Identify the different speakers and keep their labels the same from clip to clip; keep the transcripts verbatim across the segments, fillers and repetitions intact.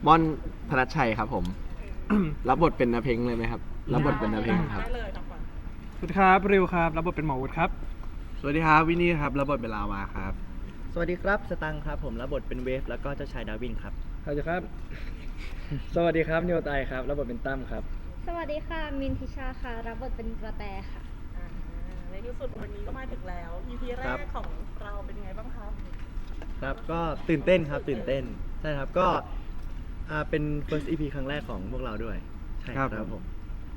Speaker 1: ม่อนธนชชัยครับผม รับบทเป็นนาเพ็งเลยไหมครับรับบทเป็นนาเพ็งครับ
Speaker 2: ได้เลยครับก่อน
Speaker 3: สวัสดีครับริวครับรับบทเป็นหมอวุฒิครับ
Speaker 4: สวัสดีครับวินนี่ครับรับบทเป็นลาวาครับ
Speaker 5: สวัสดีครับสตังค์ครับผมรับบทเป็นเวฟแล้วก็เจ้าชายดาวินครับ
Speaker 3: สวัสดีครับ สวัสดีครับนิวไตครับรับบทเป็นตั้มครับ
Speaker 6: สวัสดีค่ะมินทิชาค่ะรับบทเป็นกระแตค่ะ
Speaker 2: อ่าในที่สุดวันนี้ก็มาถึงแล้ว อี พี แร
Speaker 5: ครั
Speaker 2: ก
Speaker 5: บ
Speaker 2: ของเราเป็นไงบ้างครับ
Speaker 5: ครับก็ตื่นเต้นครับตื่นเต้นใช่ครับก็อ่าเป็น first อี พี ครั้งแรกของพวกเราด้วยใช่ครับผม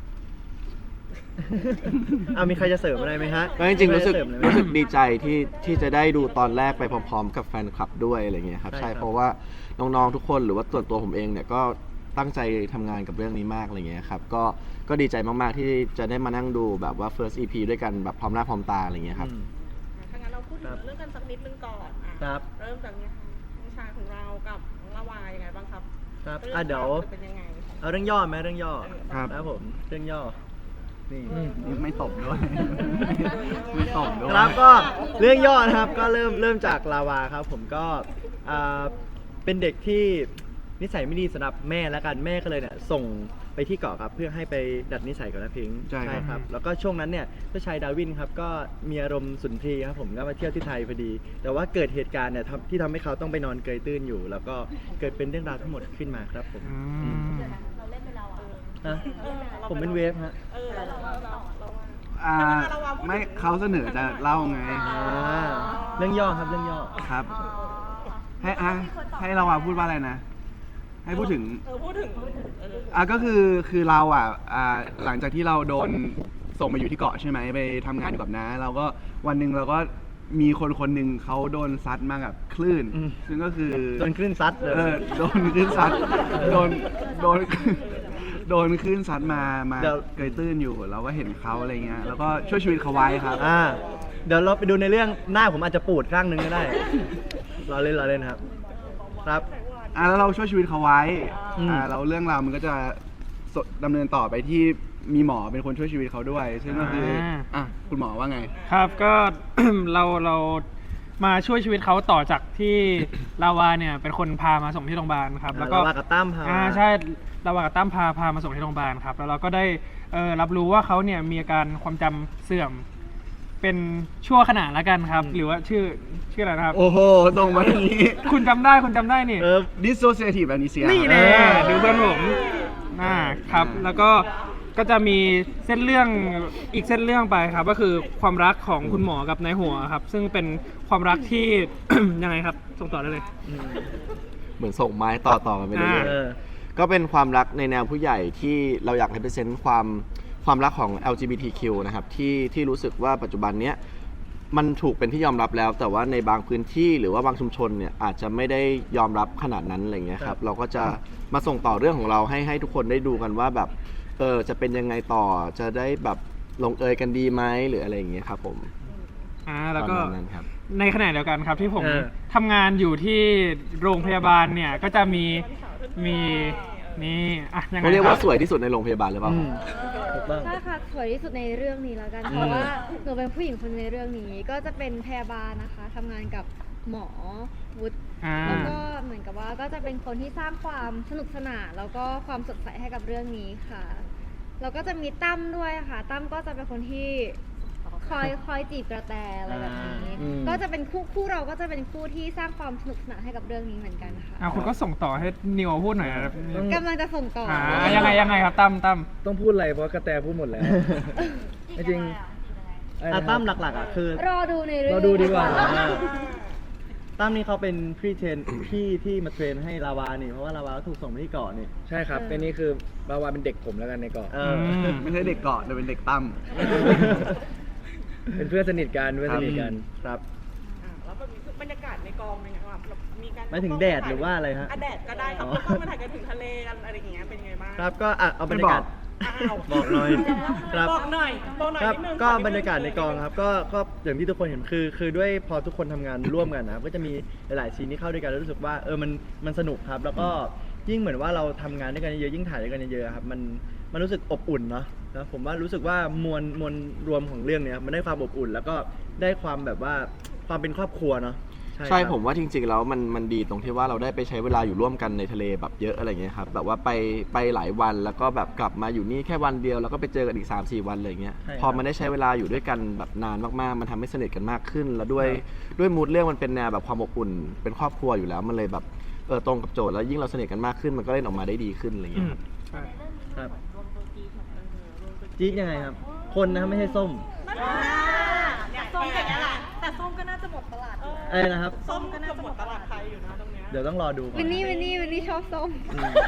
Speaker 5: เอามีใครจะเสริมอะไรไหมฮะ
Speaker 1: ก็จริงๆรู้สึก
Speaker 5: มีใคเมอะไรไหม
Speaker 1: รู้สึกดีใจที่ที่จะได้ดูตอนแรกไปพร้อม ๆ กับแฟนคลับด้วยอะไรเงี้ยครับ
Speaker 5: ใช่
Speaker 1: ใช่
Speaker 5: ครับ
Speaker 1: เพราะว่าน้องๆทุกคนหรือว่าส่วนตัวผมเองเนี่ยก็ตั้งใจทำงานกับเรื่องนี้มากอะไรเงี้ยครับก็ก็ดีใจมากๆที่จะได้มานั่งดูแบบว่า first อี พี ด้วยกันแบบพร้อมหน้าพร้อมตาอะไรเงี้ยครับ
Speaker 5: อืม
Speaker 2: ถ้างั้นเราพูดถึงเรื่องกันสักนิดนึงก่อนอ่ะ
Speaker 5: ครับ
Speaker 2: เริ่มจากเนี้ค่ะน้องชายของเรากับน้องละวายยังไงบ้างครับ
Speaker 5: ครับ
Speaker 2: เรื่อง
Speaker 5: อ่ะเดี๋ยว
Speaker 2: ราวจะเป็นยังไง
Speaker 5: เอาเรื่องย่อไหมเรื่องย่อ
Speaker 4: ครับ
Speaker 5: ครับผมเรื่องย่อนี่
Speaker 4: ไม่ตบด้วยไม่ตบด้วย
Speaker 5: ครับก็เรื่องย่อนะครับก็เริ่มเริ่มจากลาวาครับผมก็อ่าเป็นเด็กที่นิสัยไม่ดีสำหรับแม่แล้วกันแม่ก็เลยเนี่ยส่งไปที่เกาะครับเพื่อให้ไปดัดนิสัยกับน้าพิงค์
Speaker 4: ใช่ครับ
Speaker 5: ครับแล้วก็ช่วงนั้นเนี่ยเจ้าชายดาวินครับก็มีอารมณ์สุนทรีย์ครับผมก็มาเที่ยวที่ไทยพอดี แต่ว่าเกิดเหตุการณ์เนี่ยทำที่ทำให้เขาต้องไปนอนเกยตื้นอยู่ แล้วก็เกิดเป็นเรื่องราวทั้งหมดขึ้นมาครับผม
Speaker 2: เราเล่นเป็นเราอ่ะ
Speaker 5: ฮะผมเป็นเวฟฮะ
Speaker 2: เออเราเราเราเรา
Speaker 4: อ่า
Speaker 2: ถ้างั้นเราวางพูดถึง
Speaker 4: ไม่เขาเสนอจะเล่าไง
Speaker 5: อ่าเรื่องย่อครับเรื่องย่อ
Speaker 4: ครับ ให้อ่ะให้เราอ่ะพูดว่าอะไรนะ ให้พูดถึง
Speaker 2: เออพูดถึงเออ
Speaker 4: อ่ะก็คือคือเราอ่ะอ่าหลังจากที่เราโดนส่งไปอยู่ที่เกาะใช่ไหมไปทำงานอยู่กับน้าเราก็วันหนึ่งเราก็มีคนคนหนึ่งเขาโดนซัดมากับคลื่น
Speaker 5: อืม
Speaker 4: ซึ่งก็คือ
Speaker 5: โดนคลื่นซัดเลย
Speaker 4: เออโดนคลื่นซัดโดนโดนโดนคลื่นซัดมามา
Speaker 5: เดี๋ยว
Speaker 4: เกยตื้นอยู่ เราก็เห็นเขาอะไรเงี้ยแล้วก็ช่วยชีวิตเขาไว้ครับ
Speaker 5: อ่าเดี๋ยวเราไปดูในเรื่องหน้าผมอาจจะปูดข้างหนึงก็ได้ เราเล่นเราเล่นครับ ครับ
Speaker 4: อ่ะแล้วเราช่วยชีวิตเขาไว้
Speaker 5: อืม
Speaker 4: อ่าเราเรื่องราวมันก็จะสดำเนินต่อไปที่มีหมอเป็นคนช่วยชีวิตเขาด้วย ซึ่งก็คืออา อ่ะคุณหมอว่าไง
Speaker 3: ครับก็ เราเรามาช่วยชีวิตเขาต่อจากที่ ลาวาเนี่ยเป็นคนพามาส่งที่โรงพยาบาลครับ แล้วก็
Speaker 5: ลาวากับตั้มพา
Speaker 3: อ่าใช่ลาวากับตั้มพาพามาส่งที่โรงพยาบาลครับแล้วเราก็ได้เอ่อรับรู้ว่าเขาเนี่ยมีอาการความจำเสื่อม เป็นชั่วขณะละกันครับ หรือว่าชื่อชื่ออะไรนะครับ
Speaker 4: โอ้โหตรงมาอย่างนี้
Speaker 3: คุณจำได้คุณจำได้นี่
Speaker 5: เออ
Speaker 4: dissociative amnesia
Speaker 3: นี่
Speaker 4: ค
Speaker 3: แน่
Speaker 4: รับ
Speaker 3: ดูเพื่อนผมอ่าครับ แล้วก็ก็จะมีเส้นเรื่องอีกเส้นเรื่องไปครับ ก็คือความรักของคุณหมอกับนายหัวครับ ซึ่งเป็นความรักที่ ยังไงครับ ส่งต่อได้เลย
Speaker 1: เหมือนส่งไม้ต่อต่อกันไปเรื่อย
Speaker 5: เออ
Speaker 1: ๆก็เป็นความรักในแนวผู้ใหญ่ที่เราอยากให้เปอร์เซ็นต์ความความรักของ แอล จี บี ที คิว นะครับที่ที่รู้สึกว่าปัจจุบันเนี้ยมันถูกเป็นที่ยอมรับแล้ว แต่ว่าในบางพื้นที่หรือว่าบางชุมชนเนี่ยอาจจะไม่ได้ยอมรับขนาดนั้นอะไรเงี้ยครับเราก็จะมาส่งต่อเรื่องของเราให้ให้ทุกคนได้ดูกันว่าแบบเออจะเป็นยังไงต่อจะได้แบบลงเอยกันดีไหมหรืออะไรอย่างเงี้ยครับผม
Speaker 3: อ่าแล้วก็
Speaker 1: ประมาณนั้นครับ
Speaker 3: ในขณะเดียวกันครับที่ผม
Speaker 5: เออ
Speaker 3: ทำงานอยู่ที่โรงพยาบาลเนี่ยก็จะมีมีนี่อ่ะยังไง
Speaker 1: เขาเรียก
Speaker 3: ค
Speaker 1: ว่า
Speaker 3: บ
Speaker 1: สวยที่สุดในโรงพยาบาลหรือเปล่า
Speaker 5: อืมถูกต้อง
Speaker 6: ใช่ค่ะสวยที่สุดในเรื่องนี้แล้วกัน เพราะว่าหนูเป็นผู้หญิงคนในเรื่องนี้ ก็จะเป็นพยาบาลนะคะทำงานกับหมอวุฒิ
Speaker 3: อ่า
Speaker 6: แล้วก็เหมือนกับว่าก็จะเป็นคนที่สร้างความสนุกสนานแล้วก็ความสดใสให้กับเรื่องนี้ค่ะแล้วก็จะมีตั้มด้วยค่ะตั้มก็จะเป็นคนที่คอยคอยจีบกระแตอะไรแบบนี้
Speaker 5: อืม
Speaker 6: ก็จะเป็นคู่คู่เราก็จะเป็นคู่ที่สร้างความสนุกสนานให้กับเรื่องนี้เหมือนกันค่ะ
Speaker 3: อ่ะคุณก็ส่งต่อให้นิวพูดหน่อยนะครับ
Speaker 6: กำลังจะส่งต่ออ
Speaker 3: อ่ายังไงยังไงครับตั้มตั้ม
Speaker 7: ต้องพูดอะไรเพราะกระแตพูดหมดแล้ว จริงๆ
Speaker 5: อ่ะตั้มหลักๆอ่ะคือ
Speaker 6: รอดูในเรื่อง
Speaker 7: เราดูดีกว่า
Speaker 5: อ่าตั้มนี่เขาเป็นพี่เทรนพี่ที่มาเทรนให้ลาวานี่เพราะว่าลาวาถูกส่งไปที่เกาะนี่
Speaker 7: ใช่ครับเป็นนี่คือบาวาเป็นเด็กผมแล้วกันในเกาะ
Speaker 5: เออ
Speaker 3: ม
Speaker 4: ไม่ใช่เด็กเกาะแต่เป็นเด็กตั้ม
Speaker 7: เป็นเพื่อนสนิทกันเพื่อนสนิทกัน
Speaker 5: ครับ
Speaker 2: อ่ะแล้วแบบนี้คือบรรยากาศในกองเป็นไงครับแบบมีการ
Speaker 5: หมายถึงแดดหรือว่าอะไรฮะ
Speaker 2: อ่ะแดดก็ได้ครับ
Speaker 5: อ๋อ
Speaker 2: แล้วก็มาถ่ายกันถึงทะเลกันอะไรอย่างเงี้ยเป็นไงบ้าง
Speaker 5: ครับก็อ่ะเอาบรรยากาศ
Speaker 2: อ้าว
Speaker 5: บอกหน่อยครับ
Speaker 2: บอกหน่อยบอกหน่อย
Speaker 5: ครับ
Speaker 2: นิดนึง
Speaker 5: ก็
Speaker 2: ขอนิดนึง
Speaker 5: บรรยากาศในกองครับก็ก็อย่างที่ทุกคนเห็นคือ คือด้วยพอทุกคนทำงานร่วมกันนะครับก็จะมีหลายๆซีนที่เข้าด้วยกันแล้วรู้สึกว่าเออมันมันสนุกครับ แล้วก็ยิ่งเหมือนว่าเราทำงานด้วยกันเยอะๆยิ่งถ่ายด้วยกันเยอะๆครับมันมันรู้สึกอบอุ่นเนาะนะผมว่ารู้สึกว่ามวลมวลรวมของเรื่องเนี้ยมันได้ความอบอุ่น แล้วก็ได้ความแบบว่าความเป็นครอบครัวเนาะใช่
Speaker 1: ใช่
Speaker 5: ครับ
Speaker 1: ผมว่าจริงๆแล้วมันมันดีตรงที่ว่าเราได้ไปใช้เวลาอยู่ร่วมกันในทะเลแบบเยอะอะไรเงี้ยครับแบบว่าไปไปหลายวันแล้วก็แบบกลับมาอยู่นี่แค่วันเดียวแล้วก็ไปเจอกันอีก สามสี่ วันอะไรเงี้ย
Speaker 5: ใช่ครับ
Speaker 1: พอมันได้ใช้เวลาอยู่ด้วยกันแบบนานมากๆมันทำให้สนิทกันมากขึ้น แล้วด้วยด้วยมูดเรื่องมันเป็นแนวแบบความอบอุ่นเป็นครอบครัวอยู่แล้วมันเลยแบบเออตรงกับโจทย์แล้วยิ่งเราสนิทกันมากขึ้นมันก็เล่นออกมาได้ดีขึ้นอะไร
Speaker 3: อื
Speaker 1: เงี้ย
Speaker 3: ม
Speaker 1: ครับ
Speaker 3: ใช่
Speaker 5: ครับจี๊ดยังไงครับ คนนะครับไม่ใช่ส้ม
Speaker 2: ส้มอย่างนี้แหละแต่ส้มก็น่าจะหมดตลาด
Speaker 5: อะไรนะครับ
Speaker 2: ส้มก็น่าจะหมดตลาดไทยอยู่นะตรงเนี้ย
Speaker 5: เดี๋ยวต้องรอดูก่อน
Speaker 6: วินนี่วินนี่วินนี่ชอบส้ม
Speaker 5: อืม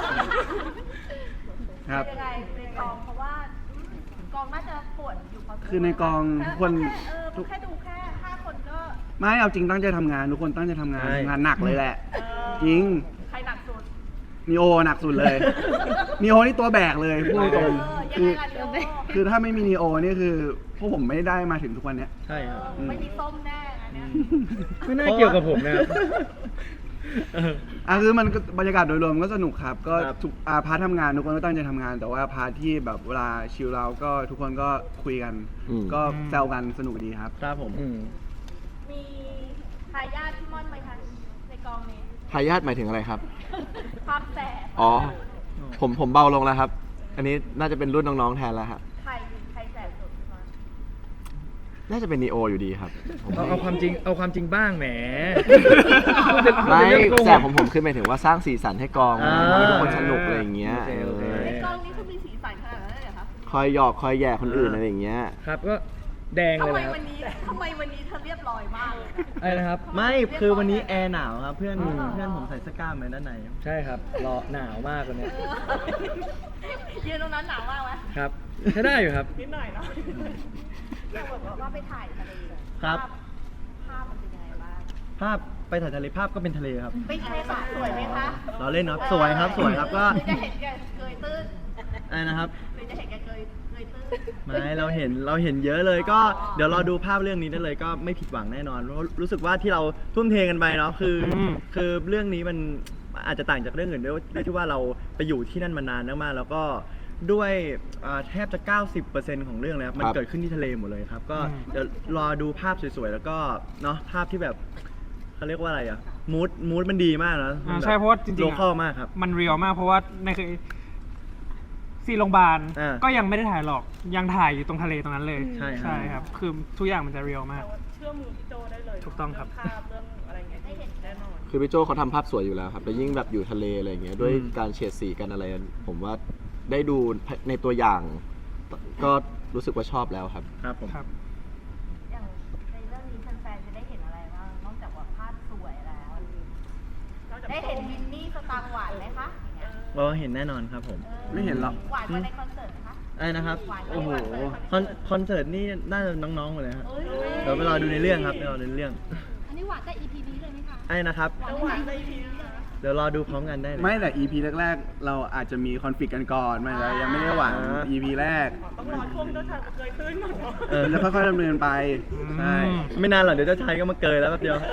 Speaker 5: ครับ
Speaker 8: ยังไงในกองเพราะว่ากองน่าจะปวดอยู่พอสมวร
Speaker 4: คือในกองทุกคน
Speaker 8: เออแค่ดูแค่ห้าคนก็
Speaker 4: ไม่เอาจริงตั้งใจทำงานทุกคนตั้งใจทำงาน
Speaker 5: ใช่
Speaker 4: ทำงานหนักเลยแหละ
Speaker 8: เออ
Speaker 4: จริง
Speaker 8: ใครหนักสุด
Speaker 4: นีโอหนักสุดเลย นีโอนี่ตัวแบกเลยพูดตรง
Speaker 8: เออ
Speaker 4: ๆ
Speaker 8: ยัง
Speaker 4: คือ
Speaker 8: ไงล่ะเดี๋ยว
Speaker 4: คือถ้าไม่มีนีโอนี่คือพวกผมไม่ได้มาถึงทุกวันเนี้ย
Speaker 5: ใช่ครับ
Speaker 8: ไม่มีส้มแน่อันเนี้ย
Speaker 7: ไม่น่าเกี่ยวกับผมนะครับ
Speaker 5: เออ
Speaker 4: อ่ะคือมันก็บรรยากาศโดยรวมก็สนุกครับ ก็
Speaker 5: ครับ
Speaker 4: ทุกอ่าพาร์ททำงานทุกคนก็ตั้งใจทำงาน แต่ว่าพาร์ทที่แบบเวลาชิลเราก็ทุกคนก็คุยกัน
Speaker 1: อืม
Speaker 4: ก็แซวกันสนุกดีครับ
Speaker 5: ครับผม
Speaker 7: อืม
Speaker 8: มีทายาทพี่ม่อนไหมคะในกองนี้
Speaker 1: ทายาทหมายถึงอะไรครับ
Speaker 8: ความแสบ
Speaker 1: อ๋อผมผมเบาลงแล้วครับ อันนี้น่าจะเป็นรุ่นน้องๆแทนแล้วครับ
Speaker 8: ใครใครแสบสุดพี่ม่อน
Speaker 1: น่าจะเป็นนีโออยู่ดีครับผม
Speaker 7: เอาเอาความจริงเอาความจริงบ้างแหม
Speaker 1: ไม่
Speaker 7: พูดเป็นเรื่องโกหก
Speaker 1: แต่ผมผมคือหมายถึงว่าสร้างสีสันให้กอง
Speaker 5: อ่า
Speaker 1: ให้ทุกคนสนุกอะไรอย่างเงี้ย
Speaker 7: โอเคโอเค
Speaker 1: เอ
Speaker 8: ใน
Speaker 1: อก
Speaker 8: องนี้คือมีสีสันขนาดนั้นเลยเหรอคะ
Speaker 1: คอยหยอกคอยแย่คนอื่นอะไรอย่างเงี้ย
Speaker 7: ครับก็แดง
Speaker 8: ทำ
Speaker 7: เลย
Speaker 8: ไม
Speaker 7: นะครับ
Speaker 8: วันนี้ทำไมวันนี้เธอเรียบร้อยมากเลย
Speaker 7: อะไรนะครับ
Speaker 5: ไม่คือวันนี้แอร์หนาวครับ เพื่อน
Speaker 7: อืม
Speaker 5: เพื่อนผมใส่เสื้อกล้ามมาด้านใน
Speaker 7: ใช่ครับรอหนาวมากวันเนี้ย
Speaker 8: ยืนตรงนั้นหนาวมากไหม
Speaker 7: ครับใช้ได้อยู่ครับ
Speaker 2: นิดหน่อยเนาะ
Speaker 8: แต่บอกว่าไปถ่ายทะเล
Speaker 5: ครับ
Speaker 8: ภาพภาพมันเป็นยังไงบ้าง
Speaker 5: ภาพไปถ่ายทะเลภาพก็เป็นทะเลครับ
Speaker 8: ไม่ใช่ค่ะสวยไหมคะ
Speaker 5: เราเล่นเนาะสวยครับสวยครับก็
Speaker 8: หรือจะเห็นแกเกยตื้น
Speaker 5: อะไรนะครับ
Speaker 8: หรือจะเห็นแกเกยเกยตื้น
Speaker 5: ไม่เราเห็นเราเห็นเยอะเลยก็เดี๋ยวรอดูภาพเรื่องนี้ได้เลยก็ไม่ผิดหวังแน่นอนเพราะรู้สึกว่าที่เราทุ่มเทกันไปเนาะคืออ
Speaker 3: ม
Speaker 5: คือเรื่องนี้มันอาจจะต่างจากเรื่องอื่นด้วยด้วยที่ว่าเราไปอยู่ที่นั่นมานานมากๆแล้วก็ด้วยอ่าแทบจะ เก้าสิบเปอร์เซ็นต์ ของเรื่องแล้วมัน
Speaker 1: ครับ
Speaker 5: เกิดขึ้นที่ทะเลหมดเลยครับ ก็
Speaker 3: อืม
Speaker 5: เดี๋ยวรอดูภาพสวยๆแล้วก็เนาะภาพที่แบบเขาเรียกว่าอะไรอะมูดมูดมันดีมากนะ
Speaker 3: อ่าใช่เพราะว่าจริงๆ
Speaker 5: โล
Speaker 3: อะ
Speaker 5: คอลมากครับ
Speaker 3: มันเรียลมากเพราะว่าในคือซีนโรงพยาบาล
Speaker 5: อ่า
Speaker 3: ก็ยังไม่ได้ถ่ายหรอกยังถ่ายอยู่ตรงทะเลตรงนั้นเลย
Speaker 5: ใช่ครับ
Speaker 3: ใช่ครับ คือทุกอย่างมันจะเรียลมาก
Speaker 2: แต่ว่าเชื่อมือพี่โจได้เลย
Speaker 3: ถูกต้องครับ
Speaker 2: เภาพเรื่องอะไรเงี้ยได้เห็นแน่นอน
Speaker 1: คือพี่โจเขาทำภาพสวยอยู่แล้วครับแล้วยิ่งแบบอยู่ทะเลอะไรอย่างเงี้ยด้วย
Speaker 5: อืม
Speaker 1: การเฉดสีกันอะไร ผมว่าได้ดูในตัวอย่าง ก็รู้สึกว่าชอบแล้วครับ
Speaker 5: ครับผม
Speaker 3: ครับ
Speaker 8: อย่างในเรื่องนี้แฟนๆจะได้เห็นอะไรบ้างนอกจากว่าภาพสวยแล้ว ได้เห็นวินนี่สตางค์หวานไหมคะอย่างเงี้ย
Speaker 5: เราเห็นแน่นอนครับผม
Speaker 4: ไม่เห็นหรอก
Speaker 8: หวานกว่าในคอนเสิร์ตไหมคะ
Speaker 5: อะไรนะครับ
Speaker 8: หวานไหม
Speaker 5: โอ้โห
Speaker 8: หวานไหม
Speaker 5: คอนคอนเสิร์ตนี่น่าจะน้องๆหมดเลยครับ
Speaker 8: เอ้ย
Speaker 5: เดี๋ยวไปรอดูในเรื่องครับไปรอดูในเรื่อง
Speaker 8: อันนี้หวานแต่ อี พี นี้เลยไหมคะ
Speaker 5: ไอ้นะครับ
Speaker 8: หวานแต่ อี พี นี้เลยนะ
Speaker 5: เดี๋ยวรอดูพร้อมกันได้เลย
Speaker 4: ไม่แต่ อี พี แรกๆ เราอาจจะมีคอนฟ lict กันก่อนมันยังไม่ได้หวัง
Speaker 5: อ่า
Speaker 4: อี พี แรก
Speaker 2: ต้องรอช่วงเจ้าชายเคยตื้นก่อนเนาะ
Speaker 5: เออ
Speaker 4: มันจะค่อยๆดำเนินไป ใช่
Speaker 3: อืม
Speaker 5: ไม่นานหรอกเดี๋ยวเจ้าชายก็มาเกยแล้วแป๊บเดียว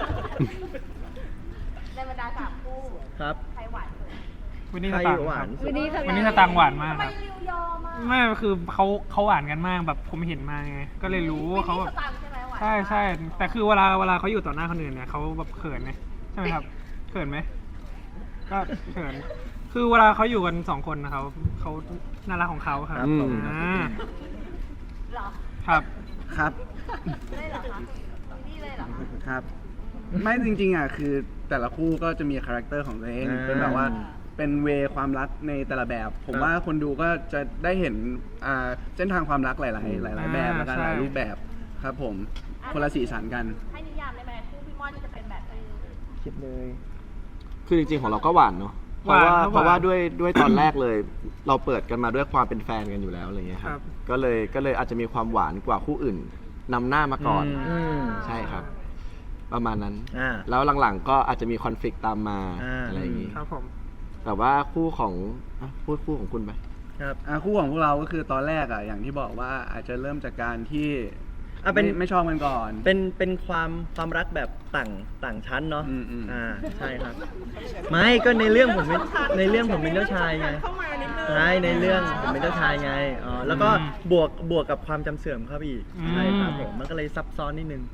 Speaker 8: ในบรรดาสามคู่
Speaker 5: ครับ
Speaker 8: ใครหวานสุด
Speaker 3: วันนี้ส
Speaker 5: ใคร
Speaker 3: ตางค์
Speaker 5: หวาน
Speaker 3: ครับ
Speaker 5: สุด
Speaker 6: วันนี้สตางค์
Speaker 3: วันนี้สตางค์หวานมาก
Speaker 8: ทำไม
Speaker 3: ครับ
Speaker 8: ริวยอมอ่ะ
Speaker 3: ไม่คือเขาเขาหวานกันมากแบบผมเห็นมาไงก็เลยรู้ว่าเขา
Speaker 8: วิ
Speaker 3: แบ
Speaker 8: น
Speaker 3: บ
Speaker 8: นี่สตางค์ใช่ไหมหวาน
Speaker 3: ใช่ใช่แต่คือเวลาเวลาเขาอยู่ต่อหน้าคนอื่นเนี่ยเขาแบบเขินไงใช่ไหมครับเขินไหมก็เขินคือเวลาเขาอยู่กันสองคนนะครับเขาน่ารักของเขาครับ
Speaker 5: ครับผม
Speaker 3: อ่า
Speaker 8: เหรอ
Speaker 3: ครับ
Speaker 4: ครับ
Speaker 8: ได้เหรอคะวินนี่เลยเหรอคะ
Speaker 4: ครับ ไม่จริงๆอ่ะคือแต่ละคู่ก็จะมีคาแรคเตอร์ของตัวเอง
Speaker 5: อ่า
Speaker 4: เป็นแบบว่าเป็นเวความรักในแต่ละแบบ ผม
Speaker 5: ครับ
Speaker 4: ว่าคนดูก็จะได้เห็นอ่าเส้นทางความรักหลายๆ หลาย ๆ แบบ
Speaker 3: อ่า
Speaker 4: แล้วกัน
Speaker 3: ใช่
Speaker 4: หลายรูปแบบครับผมคนละสีสันกัน
Speaker 8: ให้นิยามได้ไหมคู่พี่ม่อนจะเป็นแบบไหน
Speaker 7: คิดเลย
Speaker 1: คือจริงๆของเราก็หวานเนาะเพราะ
Speaker 3: หวาน
Speaker 1: ว่า
Speaker 3: ครับ
Speaker 1: เพราะว่า
Speaker 3: หวาน
Speaker 1: ด้วยด้วยตอนแรกเลย เราเปิดกันมาด้วยความเป็นแฟนกันอยู่แล้วอะไรเงี้ยค
Speaker 3: ครั
Speaker 1: รับ
Speaker 3: บ
Speaker 1: ก็เลยก็เลยอาจจะมีความหวานกว่าคู่อื่นนำหน้ามาก่อน
Speaker 5: อืม
Speaker 1: ใช่ครับ ประมาณนั้น
Speaker 5: อ่า
Speaker 1: แล้วหลังๆก็อาจจะมีคอนฟ lict ตามมา
Speaker 5: อ่า
Speaker 1: อะไรอย่างงี้
Speaker 3: ครับผม
Speaker 1: แต่ว่าคู่ของอ่ะพูดคู่ของคุณไป
Speaker 5: ครับ
Speaker 4: อ่ะคู่ของพวกเราก็คือตอนแรกอ่ะอย่างที่บอกว่าอาจจะเริ่มจากการที่
Speaker 5: อ่ะเป็น
Speaker 4: ไม่ไม่ชอบกันก่อน
Speaker 5: เป็นเป็นความความรักแบบต่างต่างชั้นเนาะ
Speaker 4: อืมอืม
Speaker 5: อ่าใช่ครับ ไม่ก็ในเรื่องผมเป็นในเรื่องผมเป็นเจ้าชายไง
Speaker 2: เข้ามานิดนึง
Speaker 5: ใช่ในเรื่องผมเป็นเจ้าชายไงอ๋อแล้วก็
Speaker 3: อืม
Speaker 5: บวกบวกกับความจำเสื่อมเข้าไปอีก
Speaker 3: อืม
Speaker 5: ใช่ครับผมมันก็เลยซับซ้อนนิดนึง
Speaker 3: ค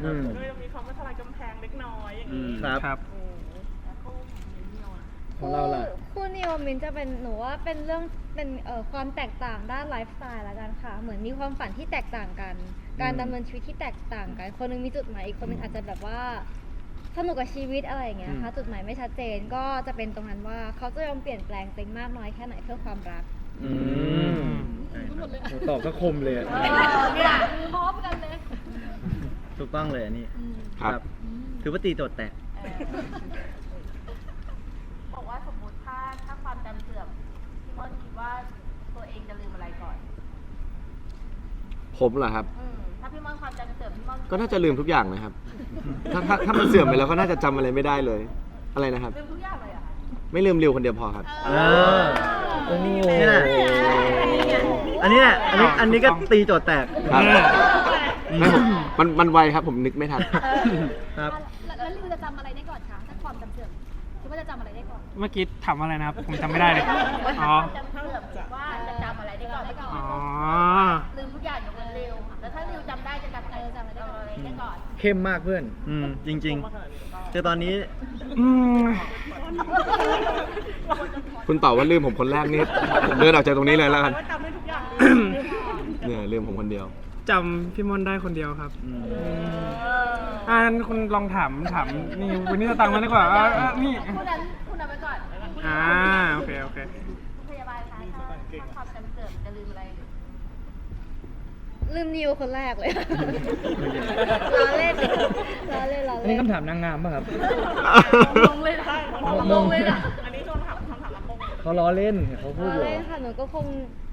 Speaker 7: อืม
Speaker 2: ก็จะมีความว่าทลายกำแพงเล็กน้อยอย่าง
Speaker 4: อื
Speaker 2: นี้
Speaker 4: ม
Speaker 7: ครับ
Speaker 3: ครับ
Speaker 2: อืม
Speaker 8: แล้วคู่มินนี่อ่ะ
Speaker 7: ของเราล่ะ
Speaker 6: คู่นิวมินจะเป็นหนูว่าเป็นเรื่องเป็นเอ่อความแตกต่างด้านไลฟ์สไตล์ละกันค่ะ เหมือนมีความฝันที่แตกต่างกัน การดำเนินชีวิตที่แตกต่างกัน คนหนึงมีจุดหมายอีกคนหนึงอาจจะแบบว่าสนุกกับชีวิตอะไรอย่างเงี้ยค่ะจุดหมายไม่ชัดเจนก็จะเป็นตรงนั้นว่าเขาจะยอมเปลี่ยนแปลงตัวเองมากน้อยแค่ไหนเพื่อความรัก
Speaker 7: อืมโหตอบก็คมเลยอะ
Speaker 8: เนี่ยพร้อมกันเลย
Speaker 5: ถูกต้องเลยอันนี้
Speaker 1: ครับ
Speaker 5: ถือว่าตีโจทย์แตก
Speaker 8: เออบอกว่าสมมติถ้าถ้าความจำเสื่อมพี่ม่อนคิดว่าตัวเองจะลืมอะไรก่อน
Speaker 1: ผมเหรอครับ
Speaker 8: อืมถ้าพี่ม่อนความจำเสื่อมพี่ม่อน
Speaker 1: ก็น่าจะลืมทุกอย่างนะครับ ถ้าถ้าถ้ามันเสื่อมไปแล้วก็น่าจะจำอะไรไม่ได้เลย อะไรนะครับ
Speaker 8: ลืมทุกอย่างเลยเหรอะคะ
Speaker 1: ไม่ลืมริวคนเดียวพอครับ
Speaker 5: เออ
Speaker 7: โอ้โห
Speaker 5: นี่แหละ อันนี้แหละอันนี้อันนี้ก็ตีโจทย์แตก
Speaker 1: ครับไม่ผมมันมันไวครับ ผมนึกไม่ทัน
Speaker 5: ครับ
Speaker 9: แล้วแล้วลิวจะจำอะไรได้ก่อนคะถ้าความจำเสื่อมคิดว่าจะจำอะไรได้ก่อน
Speaker 3: เมื่อกี้ถามว่าอะไรนะครับ ผมจำไม่ได้เลย อ๋อ
Speaker 8: จำเสื่อมว่าจะจำอะไรได้ก่อนไม่ก่อน
Speaker 3: อ๋อ
Speaker 8: ลืมทุกอย่างยกเว้นริวแล้วถ้าริวจำได้จะจำอะไรจำอะไรได้ก่อน
Speaker 7: เข้มมากเพื่อน
Speaker 5: อืมจริงๆคือตอนนี้
Speaker 3: อืม
Speaker 1: คุณตอบว่าลืมผมคนแรกนี่ผมเดินออกจากตรงนี้เลยแล้วกัน
Speaker 2: ว่าจำได้ทุกอย่างเลย
Speaker 1: เนี่ยลืมผมคนเดียว
Speaker 3: จำพี่มอนได้คนเดียวครับ
Speaker 5: อืม
Speaker 3: อ่านั้นคุณลองถามถามนี่วันนี้สตังค์มาดีกว่าอ่าอ่านี่
Speaker 8: คุณนั้นคุณนั้นไปก่อน
Speaker 3: อ่าโอเคโอเค
Speaker 8: คุณพยาบาลคะถ้าถ้าความจำเสื่อมจะลืมอะไร
Speaker 6: ลืมนิวคนแรกเลย ล้อเล่นล้อเล่นล้อ
Speaker 7: อัน
Speaker 6: เล่
Speaker 7: นี้
Speaker 6: น
Speaker 7: คำถามนางงามป่ะครับ
Speaker 8: งงเลยนะ
Speaker 7: งง
Speaker 8: เลยนะ
Speaker 2: อันนี้คำถามคำถามละมง
Speaker 7: เขาล้อเล่นเขาพูด
Speaker 6: ล้อ
Speaker 7: อยู่
Speaker 6: เล่นค่ะหนูก็คง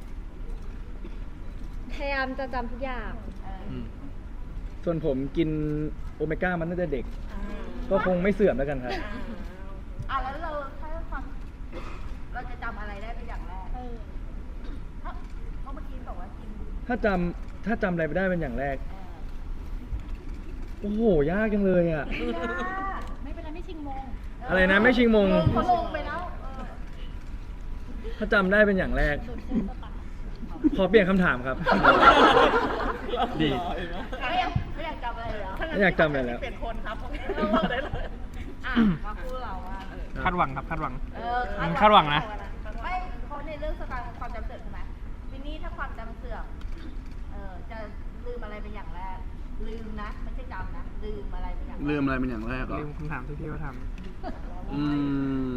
Speaker 6: พยายามจะจำทุกอย่าง
Speaker 7: ส่วนผมกินโอเมก้ามันตั้งแต่เด็ก ก็คงไม่เสื่อมแล้วกันครับ
Speaker 8: อ่ะแล้วเราถ้าความเราจะจำอะไรได้เป็นอย่างแรกถ้าเพราะเมื่อกี้บอกว่ากิน
Speaker 7: ถ้าจำถ้าจำอะไรไม่ได้เป็นอย่างแรก โอ้โห ยากจังเลยอ่ะ
Speaker 8: เออยาก
Speaker 9: ไม่เป็นไรไม่ชิงมง
Speaker 7: อะไรนะไม่ชิงมง
Speaker 8: เขาลงไปแล้วเออ
Speaker 7: ถ้าจำได้เป็นอย่างแรก ขอเปลี่ยนคำถามครับ ดี
Speaker 8: ไม่อยากไม่อยากจำอะไรเลยเหรอ
Speaker 7: ไม่อยากจำอะไรแล้ว
Speaker 2: เปลี่ยนคนครับบอกได้เลย
Speaker 8: อ่ะมาพูดเราว่า
Speaker 3: คาดหวังครับคาดหวัง
Speaker 8: เออ
Speaker 3: อืมคาดหวังนะ
Speaker 8: ไม่เพราะในเรื่องสตางค์ความจำเสื่อมใช่ไหมวินนี่ถ้าความจำเสื่อมเออจะลืมอะไรเป็นอย่างแรก ลืมนะไม่ใช่จำนะลืมอะไรเป็นอย่างแรก
Speaker 4: ลืมอะไรเป็นอย่างแรกเหรอ
Speaker 3: ลืมคำถามที่พี่เขาถาม
Speaker 4: อืม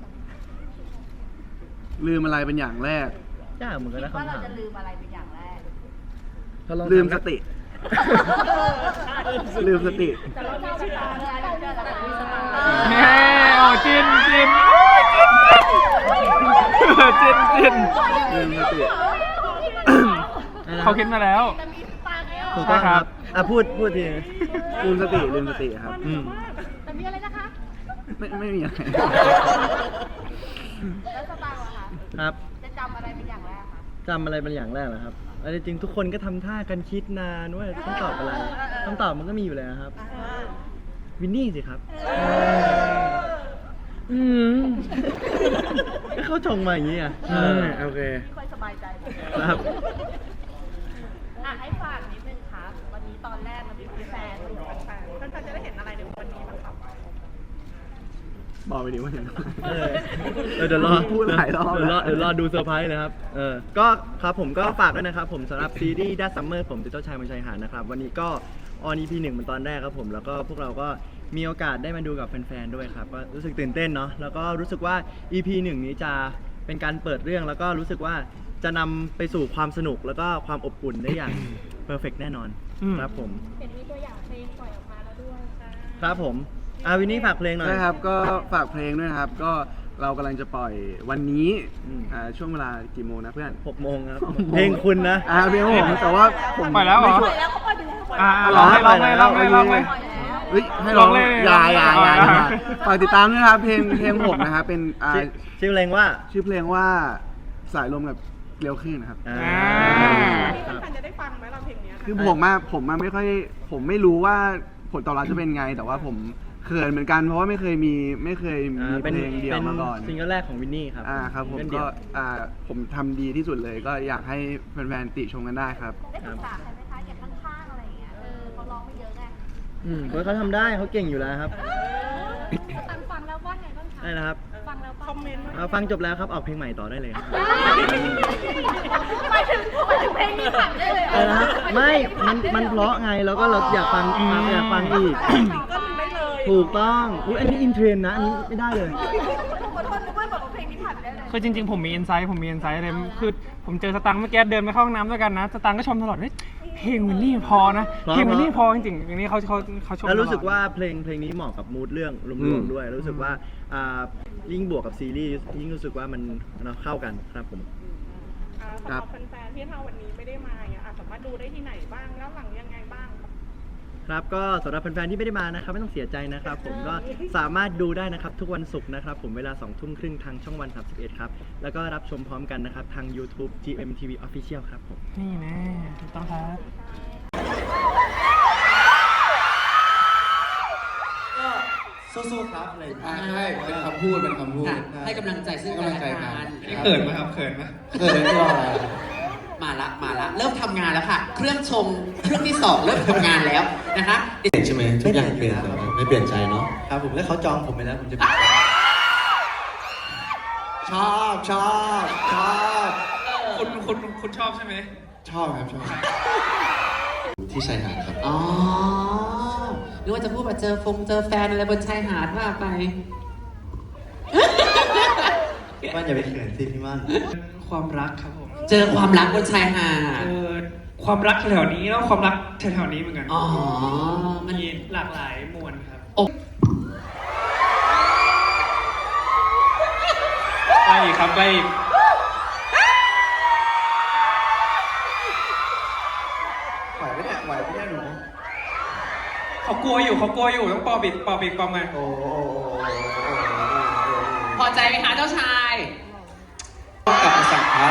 Speaker 4: ลืมอะไรเป็นอย่างแรก
Speaker 5: ยากเหมือนกัน
Speaker 8: คิ
Speaker 5: นะ
Speaker 8: ดว่า
Speaker 5: คำ
Speaker 8: เรา
Speaker 5: ถาม
Speaker 8: จะลืมอะไรเป็นอย่างแรก
Speaker 7: ถ้าลอง
Speaker 4: ลืม
Speaker 7: ถา
Speaker 4: สติ ลืมสติ
Speaker 8: แต่เราไม่เชื่อเลยเราเชื่อเราไม่เชื่อ
Speaker 3: แม่โอ้จินจินจินจิน
Speaker 4: ลืมสติ
Speaker 3: เขาคิดมาแล้ว
Speaker 8: จะมีสตางค์แล้ว
Speaker 5: ถูกต้องครับ อ่ะพูดพูดที
Speaker 4: ลืมสติ ลืมสติครับ
Speaker 5: อืม
Speaker 9: แต่มีอะไรนะคะ
Speaker 4: ไม่ไม่มีอะไร
Speaker 8: แล้วสตางค์ล่ะคะ
Speaker 5: ครับ
Speaker 8: จะจำอะไรเป็นอย่างแรกคะ
Speaker 5: จำอะไรเป็นอย่างแรกเหรอครับอันนี้จริงทุกคนก็ทำท่ากันคิดนานว่าต้องตอบอะไรคำตอบมันก็มีอยู่แล้วครับ วินนี่สิครับ
Speaker 7: อืม
Speaker 5: ก็เขาชงมาอย่างนี้อ่ะ
Speaker 7: อืมโอเค
Speaker 8: ไม่ค่อยสบายใจ
Speaker 5: ครับ
Speaker 8: อ่ะให้ฝากนิดนึงครับ วันนี้ตอนแรกมันมีแฟน
Speaker 2: แฟนๆแฟนๆจะได้เห็นอะไรในวันนี้บ้างครับ
Speaker 4: บอกไปดิว่าอย่างไร
Speaker 5: เออเออเดี๋ยวรอ
Speaker 4: พูดหลายรอบ
Speaker 5: เดี๋ยวรอ
Speaker 4: แล้ว
Speaker 5: เดี๋ยวรอดูเซอร์ไพรส์นะครับ เออ ก็ครับผมก็ฝากด้วยนะครับผมสำหรับซีรีส์ That Summer ผมติโต้ชายบนชายหาดนะครับ วันนี้ก็ออน อี พี หนึ่งเป็นตอนแรกครับผม แล้วก็พวกเราก็มีโอกาสได้มาดูกับแฟนๆด้วยครับ ก็รู้สึกตื่นเต้นเนาะ แล้วก็รู้สึกว่า อี พี หนึ่งนี้จะเป็นการเปิดเรื่อง แล้วก็รู้สึกว่าจะนำไปสู่ความสนุกแล้วก็ความอบอุ่นได้อย่างเพอร์เฟกแน่นอน
Speaker 3: อืม
Speaker 5: ครับผม
Speaker 9: เห็นมีตัวอย่างเพลงปล่อยออกมาแล้วด้วย
Speaker 5: ครับผมอาวินนี่ฝากเพลงหน่อย
Speaker 4: ใช่ครับ ก็ฝากเพลงด้วยนะครับ ก็เรากำลังจะปล่อยวันนี้
Speaker 5: อืม
Speaker 4: อ่าช่วงเวลากี่โมงนะเพื่อน
Speaker 5: หกโมงครับ เพลงคุณนะ
Speaker 4: อ่าเพลงของผมแต่ว่าผม
Speaker 3: ปล่อยแล้วเหรอ
Speaker 4: ไม่ชัว
Speaker 8: แล้วเขาปล่อยไปแล้ว
Speaker 3: อ่า
Speaker 4: เหรอ
Speaker 3: ลองเลยลองเลยลองเลยลองเลย
Speaker 8: ปล่อยแล้ว
Speaker 4: เฮ้ยให้ร้อง
Speaker 3: ลองเลย
Speaker 4: อยาอยาอยา
Speaker 3: ลองเลย
Speaker 4: อยาฝากติดตามด้วยนะครับเพลงเพลงผมนะครับเป็นอ่า
Speaker 5: ชื่อชื่อเพลงว่า
Speaker 4: ชื่อเพลงว่าสายลมกับเกลียวขึ้นนะครับ
Speaker 5: อ่า
Speaker 3: อ่า
Speaker 2: แฟนๆจะได้ฟังไหมเราเพลงเนี้ย
Speaker 4: คือผมอะผมอะไม่ค่อยผมไม่รู้ว่าผลตอบรับจะเป็นไง แต่ว่าผมเขินเหมือนกันเพราะว่าไม่เคยมีไม่เคยมี
Speaker 5: อ่า
Speaker 4: เพลงเดียวมาก่อน
Speaker 5: ซิงเกิลแรกของวินนี่ครับ
Speaker 4: อ่าครับผม
Speaker 5: ซิงเกิลเดี่
Speaker 4: ก็
Speaker 5: ยว
Speaker 4: อ่าผมทำดีที่สุดเลย ก็อยากให้แฟนๆติชมกันได้ครับ
Speaker 8: ได้ปรึกษาใครไหมคะอย่างข้างๆอะไรอย่างเงี้ย เออเขาร้องไม่เยอะไง
Speaker 7: อ
Speaker 5: อืมเพราะเขาทำได้เขาเก่งอยู่แล้วครับ
Speaker 9: ตังฟังแล้วว่าไงบ้างคะ
Speaker 5: ได้นะครับ
Speaker 9: ฟังแล้ว
Speaker 2: คอมเมนต์
Speaker 5: เอาฟังจบแล้วครับออกเพลงใหม่ต่อได้เลยครับ
Speaker 8: หมายถึงหมายถึงเพลงนี้ผ่านได้เลยเหรอ
Speaker 5: อะไรนะครับไม่มันมันเพราะไงแล้วก็เราอยากฟังอยากฟังอีก
Speaker 2: ก็ถึงได้เลย
Speaker 5: ถูกต้องอุ๊ยอันนี้อินเทรนด์นะอันนี้ไม่ได้เลย
Speaker 8: ขอโทษนึกว่าบอกว่าเพลงนี้ผ่านได้เลย
Speaker 3: คือจริงๆ ผมมีอินไซต์ผมมีอินไซต์เลยคือผมเจอสตังค์เมื่อกี้เดินไปเข้าห้องน้ำด้วยกันนะสตังค์ก็ชมตลอดเฮ้ยเพลงวินนี่พอนะ
Speaker 5: เพราะ
Speaker 3: เพลงวินนี่พอจริงๆอย่างนี้เขาเขาเขาชม
Speaker 5: แล้วรู้สึก
Speaker 3: ตลอด
Speaker 5: ว่าเพลงเพลงนี้เหมาะกับมูดเรื่องร
Speaker 1: อื
Speaker 5: วม
Speaker 1: ม
Speaker 5: ๆด้วย รู้สึกว่าอ่ายิ่งบวกกับซีรีส์ยิ่งรู้สึกว่ามันมันเข้ากันครับผม
Speaker 2: อ่าสำหรับแฟนๆที่ถ้าวันนี้ไม่ได้มาเนี่ยอ่ะสามารถดูได้ที่ไหนบ้างแล้วหลังยังไงบ้าง
Speaker 5: ครับก็สำหรับแฟนๆที่ไม่ได้มานะครับไม่ต้องเสียใจนะครับ ผมก็สามารถดูได้นะครับทุกวันศุกร์นะครับผมเวลาสองทุ่มครึ่งทางช่องวันสามสิบเอ็ดครับแล้วก็รับชมพร้อมกันนะครับทาง YouTube จี เอ็ม ที วี Official ครับผม
Speaker 3: นี่แน่ถูกต้องครับ
Speaker 10: สู้ๆครับอะไรใช่เป็นคำพูดเป็นคำพูด
Speaker 11: ให้กำลังใจซึ่ง
Speaker 10: ให้
Speaker 11: กัน
Speaker 10: กำลังใจ
Speaker 11: และ
Speaker 10: กั
Speaker 11: กัน
Speaker 10: น
Speaker 3: นี่เขินไหมครับเขินไหม
Speaker 10: เออตัวอะไร
Speaker 11: มาละมาละเริ่มทำงานแล้วค่ะ เครื่องชงเครื่องที่สองเริ่มทำงานแล้วนะคะ
Speaker 10: ใช่ไหมทุกอย่างเปลี่ยนแต่ว่าไม่เปลี่ยนใจเนาะ
Speaker 5: ครับผมแล้วเขาจองผมไปแล้วผมจะ
Speaker 10: ชอบชอบชอบ
Speaker 3: คุณคุณคุณชอบใช่ไหม
Speaker 10: ชอบครับชอบที่ชายหาดครับ
Speaker 11: อ๋อหรือว่าจะพูดว่าเจอฟงเจอแฟนอะไรบนชายหาดว่าไป
Speaker 10: มันอย่าไปเขินสิพี่มัน
Speaker 3: ความรักครับผม
Speaker 11: เจอความรักบนชายหาด
Speaker 3: เออความรักแถวๆนี้แล้วความรักแถวๆนี้เหมือนกัน
Speaker 11: อ๋อมัน
Speaker 3: มีหลากหลายมวลครับ
Speaker 11: โอ้
Speaker 3: ไปอีกครับไปอีก
Speaker 10: ไหวไหมเนี่ยไหวไหมเนี่ยหนู
Speaker 3: เขากลัวอยู่เขากลัวอยู่ต้องปอบอีกปอบอีกปอบมา
Speaker 10: โอ้โห
Speaker 11: พอใจไหมคะเจ้าชาย
Speaker 10: กลับมาสั่งครับ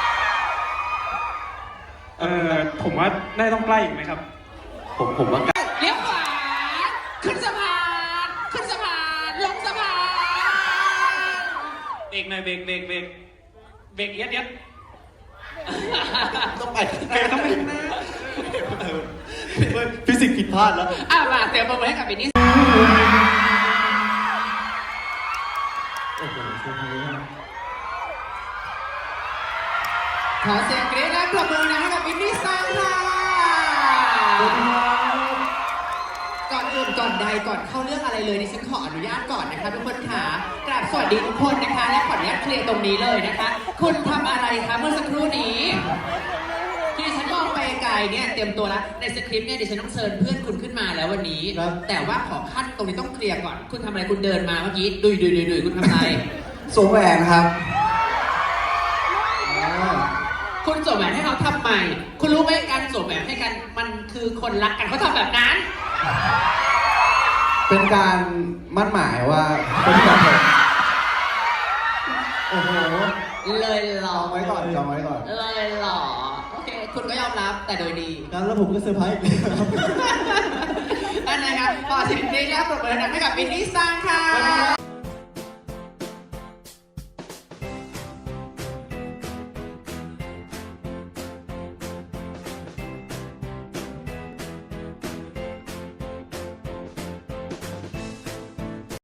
Speaker 3: เออผมว่าน่าจะต้องใกล้อีกไหมครับ
Speaker 10: ผมผมว่า
Speaker 11: เลี้ยวขวาขึ้นสะพานขึ้นสะพานลงสะพาน
Speaker 3: เบรกหน่อยเบรกเบรกเบรกเบรกเอียดเอียด
Speaker 10: ต้องไป
Speaker 3: เบรกต้องไปข้างหน้า
Speaker 10: ฟิสิกส์ผิดพลาดแล้ว
Speaker 11: อ่ะมาเตรียมมือให้กับบินนี่
Speaker 10: โอ้โหเซอร์ไพรส์มาก
Speaker 11: ขอเสียงกรี๊ดและปรบมือนะให้กับบินนี่ซังค่ะก่อนอื่นก่อนใดก่อนเข้าเรื่องอะไรเลยดิฉันขออนุญาตก่อนนะคะทุกคนค่ะกราบสวัสดีทุกคนนะคะและขออนุญาตเคลียร์ตรงนี้เลยนะคะ คุณทำอะไรคะเมื่อสักครู่นี้ ที่ดิฉันมองไปไกลเนี่ยเตรียมตัวแล้วในสคริปต์เนี่ยดิฉันต้องเชิญเพื่อนคุณขึ้นมาแล้ววันนี้ แต่ว่าขอขั้นตรงนี้ต้องเคลียร์ก่อน คุณทำอะไรคุณเดินมาเมื่อกี้ดุยดุยดุยดุยคุณทำอะไร
Speaker 10: สวมแหวนครับ
Speaker 11: คุณสวมแหวนให้เขาทำไมคุณรู้ไหมการสวมแหวนให้กันมันคือคนรักกันเขาทำแบบนั้น
Speaker 10: เป็นการมั่นหมายว่าเป็นการโอ้โห
Speaker 11: เลยหร
Speaker 10: จ
Speaker 11: อ
Speaker 10: องไว้ก่อนจองไว้ก่อน
Speaker 11: เลยหรอโอเค คุณก็ยอมรับแต่โดยดี
Speaker 10: งั้นแล้วผมก็เซอร์ไพรส์อีกแล้ว
Speaker 11: นั่นนะครับขอเสียงกรี๊ดและปรบมือดังๆให้กับบินนี่ซังค่ะ